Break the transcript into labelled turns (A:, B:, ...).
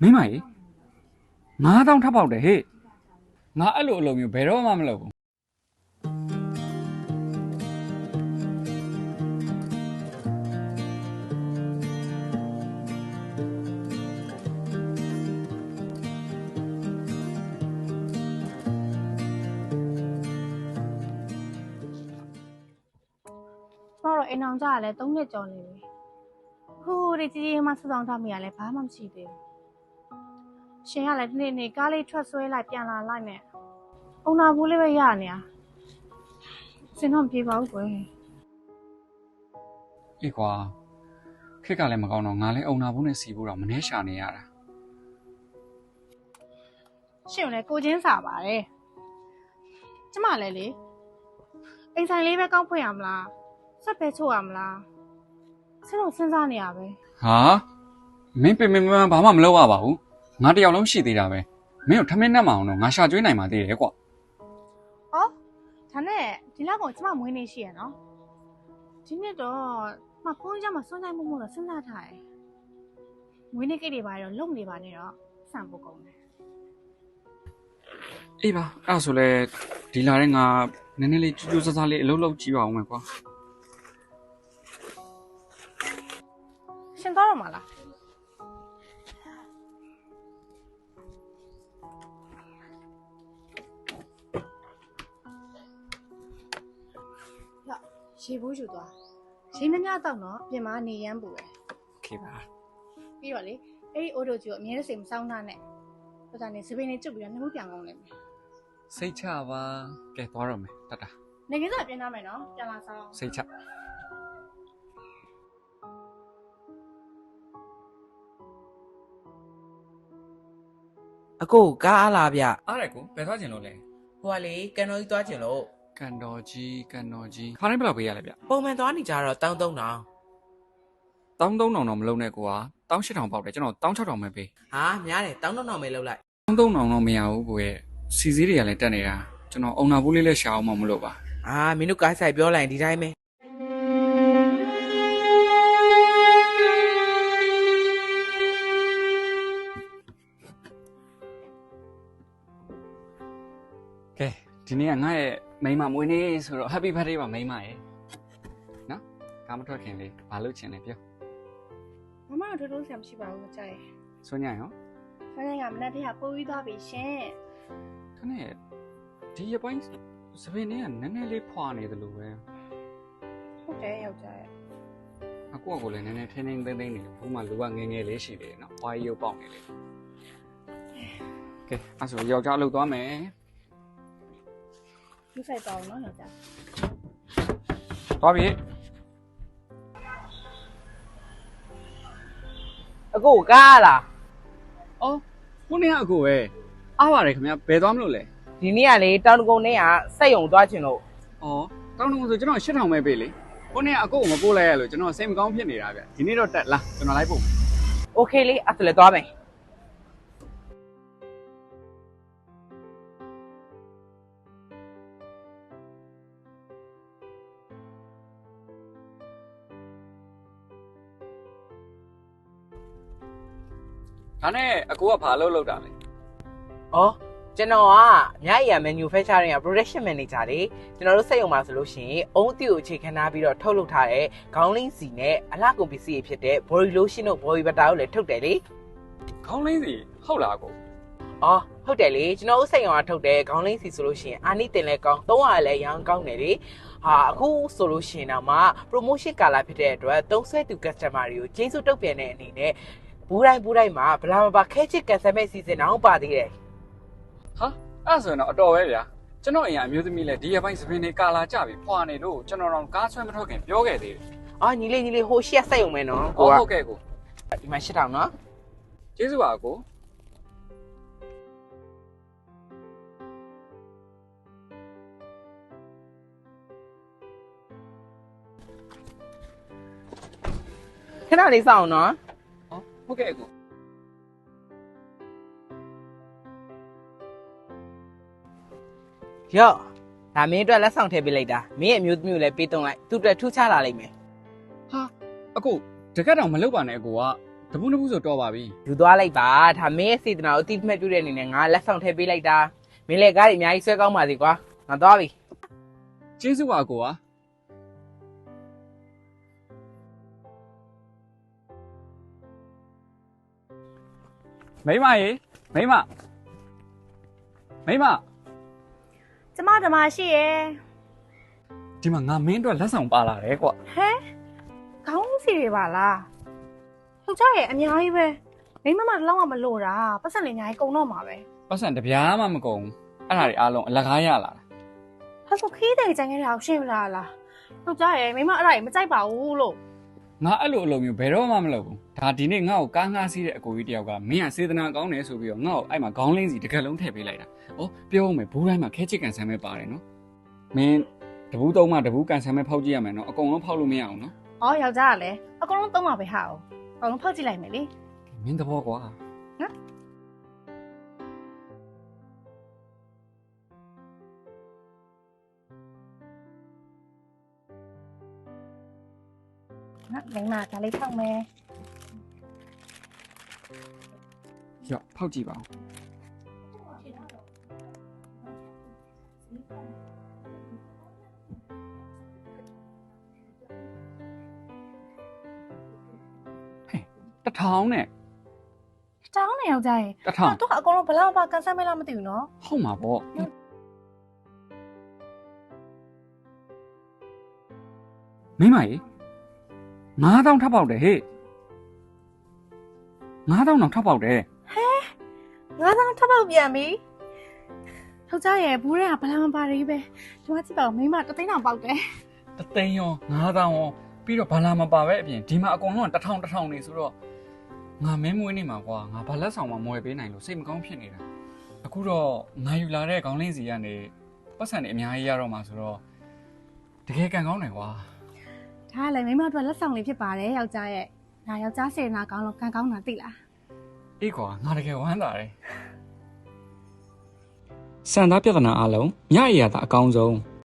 A: မိမကြီး9000ထပ်ပေါက်တယ်ဟေ့ငါအဲ့လိုအလုပ်မျိုးဘယ်တော့မှမလုပ်ဘူး
B: တော့အိမ်အောင်ကြရလဲ3နှစ်ကျော်နေပြီဟိုးဒီကြီးကြီးမှစဆောင်ထားမိရလဲဘာမှမရှိသေးဘူးရှင်ကလည်းဒီနေ့ကားလေးထွက်ဆွဲလိုက်ပြန်လာလိုက်နဲ့အုံနာဘူးလေးပဲရနေတာစင်တော့ပြေပါဘူးကွယ်
A: အေးကွာခက်ကလည်းမကောင်းတော့ငါလည်းအုံနာဘူးနဲ့စီဖို့တော့မနှဲရှာနေရတာ
B: ရှင်လည်းကိုချင်းစာပါတယ်ကျမလည်းလေအိမ်ဆိုင်လေးပဲကောက်ဖွင့်ရမလားဆက်ပဲချို့ရမလားစဉ်းတော့စဉ်းစားနေရပဲ
A: ဟာမင်းပင်ဘာမှမလုပ်ရပါဘူးငါတယောက်လုံးရှိသေးတာပဲမင်းတို့ထမင်းနဲ့မအောင်တော့ငါရှာကျွေးနိုင်မှသေးတယ်ကွာ
B: ဩဒါနဲ့ဒီလောက်ကောင်ကျမမွေးနေရှိရနော်ဒီနေ့တော့မဖုန်းကြမှာစွန့်ဆိုင်မှုမို့တော့စဉ်းစားထားတယ်မွေးနေ့ကိတ်တွေပါတော့လုံနေပါနဲ့တော့စံဖို့ကုန်တယ်
A: အေးပါအဲ့ဆိုလဲဒီလာတဲ့ငါနည်းနည်းလေးကြိုးကြိုးစားစားလေးအလုပ်လုပ်ကြည့်ပါဦးမယ်ကွာ
B: ရှင်သွားတော့မလားရေဘူးယူသွားရေမများတော့တော့ပြင်မနေရမ်းပူတယ်
A: โอเคပါ
B: ပြီးတော့လေအဲ့ဒီအိုးတို့ကြီးကိုအမြဲတစေမစောင်းထားနဲ့ဟိုကနေစပင်းလေးကျွတ်ပြီးတော့နှမှုပြန်ကောင်းလိမ့်မယ်
A: စိတ်ချပါကဲသွားတော့မယ်တတ
B: နေကင်းစားပြင်ထားမယ်နော်ပြန်လာဆောင်
A: စိတ်ချ
C: အကိုကားအားလားဗျ
A: အားရကိုဘယ်သွားကျင်လို့လဲ
C: ဟိုကလေကန်တော်ကြီးသွားကျင်လို့
A: ကန်တော်ကြီးခါတိုင်းဘယ်လောက်ပေးရလဲဗျ
C: ပုံမှန်သွားနေကြတော့13000
A: 13000တော့မလုံးနဲ့ကိုက18000ပေါက်တယ်ကျွန်တော်16000ပဲပေး
C: ဟာများတယ်13000ပဲလောက်လိုက်
A: 13000တော့မရဘူးကိုရဲ့စီစည်းတွေကလည်းတက်နေတာကျွန်တော်အုံနာဘူးလေးလည်းရှာအောင်မလို့ပါ
C: မင်းတို့ကားဆိုင်ပြောလိုက်ဒီတိုင်းပဲ
A: ကဲဒီနေ့ကငါ့ရဲ့မိန်းမမွေးနေ့ဆိုတော့ Happy Birthday ပါမိန်းမရဲ့နော်ကားမထွက်ခင်လေးဘာလုပ်ချင်လဲပြော
B: မမတို့ထိုးဆရာမရှိပါဘူးကြိုက်
A: ဆွညရော
B: ဆွညကမနေ့တည်းကပိုးပြီးသွားပြီရှင်
A: ခနဲ့ဒီရပိုင်းစပင်းလေးကနည်းနည်းလေးဖွာနေတယ်လို့ပဲ
B: ဟုတ်တယ်ယောက်ျားရဲ့
A: အကူကလည်းနည်းနည်းထင်းထင်းသိမ့်သိမ့်နေတယ်ဘူးမှလူကငယ်ငယ်လေးရှိတယ်နော်ဖွာရုပ်ပေါက်နေလေကဲအဲ့ဆိုယောက်ျားအလုပ်သွားမယ်
B: လူဆိုင်တော့နော်ယောက်ျား
A: သွားပြီ
C: အကိုကားလား
A: အော်ခုနေ့ကအကိုပဲအားပါတယ်ခင်ဗျဘယ်သွားမလို့လဲ
C: ဒီနေ့ကလေတောင်တကုံနဲ့ကစက်ယုံသွားချင်လို့
A: အော်တောင်တကုံဆိုကျွန်တော်8000ပဲပေးလေခုနေ့ကအကိုကိုမပို့လိုက်ရလို့ကျွန်တော်စိတ်မကောင်းဖြစ်နေတာဗျဒီနေ့တော့တက်လားကျွန်တော်လိုက်ပို့
C: โอเคလေအဲ့ဒါလည်းသွားမယ်
A: ဒါနဲ့အကိုကဘာလုပ်တာလဲ
C: ။ကျွန်တော်ကမြရ manufacturing က production manager လေကျွန်တော်တို့စက်ရုံမှာဆိုလို့ရှိရင်အုံးအသီးကိုအခြေခံထားပြီးတော့ထုတ်လုပ်ထားတဲ့ခေါင်းလင်းစီနဲ့အလှကုန်ပစ္စည်းတွေဖြစ်တဲ့ body lotion တို့ body butter တို့လည်းထုတ်တယ်လေ
A: ။ခေါင်းလင်းစီဟုတ်လားအကို
C: ။ဟုတ်တယ်လေကျွန်တော်တို့စက်ရုံကထုတ်တဲ့ခေါင်းလင်းစီဆိုလို့ရှိရင်အာနိတင်လည်းကောင်း300လည်းရောင်းကောင်းတယ်လေ။အခုဆိုလို့ရှိရင်တော့မှ promotion ကာလဖြစ်တဲ့အတွက်သုံးဆွဲသူ customer တွေကိုကျေးဇူးတုံ့ပြန်တဲ့အနေနဲ့ဘူးတိုင်းမှာဘလာမပါခဲချစ်ကန်ဆယ်မဲ့စီစဉ်အောင်ပါသေးတယ်
A: ဟာအဲ့ဆိုရင်တော့အတော်ပဲဗျာကျွန်တော်အိမ်ကအမျိုးသမီးလဲဒီရပိုင်းစပင်းတွေကာလာကြပြီဖွာနေလို့ကျွန်တော်တော့ကားဆွဲမထွက်ခင်ပြောခဲ့သေးတယ်
C: ညီလေးဟိုရှက်ဆက်ရုံပဲနော်
A: ဟုတ်ကဲ့ကို
C: ဒီမှာ8000နော်
A: ကျေးဇူးပါကို
C: ခဏလေးစောင့်နော်
A: ဟုတ်ကဲ့ကို
C: ရော့ဒါမင်းအတွက်လက်ဆောင်ထည့်ပေးလိုက်တာမင်းရဲ့အမျိုးသမီးကိုလည်းပေးသွင်းလိုက်သူ့အတွက်ထူးခြားလာလိမ့်မယ်
A: ဟာအကိုတကက်တော့မလုပ်ပါနဲ့အကိုကတပူးနှစ်ပူးဆိုတော့ပါပြီ
C: ယူသွားလိုက်ပါဒါမင်းရဲ့စေတနာကိုအတိအမှတ်ပြုတဲ့အနေနဲ့ငါလက်ဆောင်ထည့်ပေးလိုက်တာမင်းလည်းကားတွေအများကြီးဆွဲကောင်းပါစေကွာငါသွားပြီ
A: ကျေးဇူးပါကိုကမိမရေမိမ
B: ကျမဓမ္မရှိရယ်
A: ဒီမှာငါမင်းအတွက်လက်ဆောင်ပါလာတယ်ကွာ
B: ဟဲခေါင်းစီတွေပါလားယောက်ျားရဲ့အများကြီးပဲမိမတစ်လုံးကမလို့တာပတ်စံလေးအများကြီးကုန်တော့မှာပဲ
A: ပတ်စံတစ်ပြားမှမကုန်အဲ့ဒါတွေအားလုံးအလကားရလာတာ
B: ဟာဆိုခီးတဲ့ကြံခဲ့တာကိုရှင်းမလားယောက်ျားရဲ့မိမအဲ့ဒါကြီးမကြိုက်ပါဘူးလို့
A: ငါအဲ့လိုအလုပ်မျိုးဘယ်တော့မှမလုပ်ဘူးဒါဒီနေ့ငါ့ကိုကားငှားစီးတဲ့အကိုကြီးတယောက်ကမင်းကစေတနာကောင်းတယ်ဆိုပြီးတော့ငါ့ကိုအဲ့မှာခေါင်းလင်းစီတစ်ကက်လုံးထည့်ပေးလိုက်တာဩပြောဦးမယ်ဘူးတိုင်းမှာခဲချစ်ကန်ဆန်းပဲပါတယ်နော်မင်းတပူးသုံးမှတပူးကန်ဆန်းပဲဖောက်ကြည့်ရမယ်နော်အကုန်လုံးဖောက်လို့မရအောင်နော်
B: အော်ယောက်ျားကလည်းအကုန်လုံးသုံးပါပဲဟာအောင်အကုန်လုံးဖောက်ကြည့်လိုက်မယ်လေ
A: မင်းသဘောကွာ
B: နော်မိမဒါလေးဖောက်မယ်
A: ရော့ဖောက်ကြည့်ပါဦးဟဲ့တစ်ထောင်နဲ့
B: တောင်းနေယောက်ျားရဲ့
A: တစ်ထောင်
B: တော့အကုန်လုံးဘလောက်ပါကန်ဆယ်မဲလားမသိဘူးနော်
A: ဟုတ်မှာပေါ့မိမကြီး9000ထပ်ပေါက်တယ်ဟေ့9000တော့ထပ်ပေါက်တယ်
B: 9000ထပ်ပေါက်ပြန်ပြီယောက်ျားရဲ့ဘူးတွေကဘလောက်မပါရကြီးပဲဒီမှာကြည့်ပါဦးမိမတစ်သိန်းတောင်ပေါက်တယ်
A: တသိန်းရော9000ရောပြီးတော့ဘာလာမပါပဲအပြင်ဒီမှာအကုန်လုံးက1000နေဆိုတော့ငါမင်းမွေးနေမှာကွာငါဘာလက်ဆောင်မှမဝယ်ပေးနိုင်လို့စိတ်မကောင်းဖြစ်နေတာအခုတော့ငါယူလာတဲ့ခေါင်းလင်းစီကနေပတ်စံတွေအများကြီးရတော့မှာဆိုတော့တကယ်ကန်ကောင်းတယ်ကွာ
B: ဒါကလည်းမိမတို့လက်ဆောင်လေးဖြစ်ပါတယ်ယောက်ျားရဲ့ဒါယောက်ျားစေနာကောင်းလို့ကန်ကောင်းတာသိလား
A: အေးကွာငါတကယ်ဝမ်းသာတယ်စံသားပြဿနာအလုံးညအရာသာအကောင်းဆုံး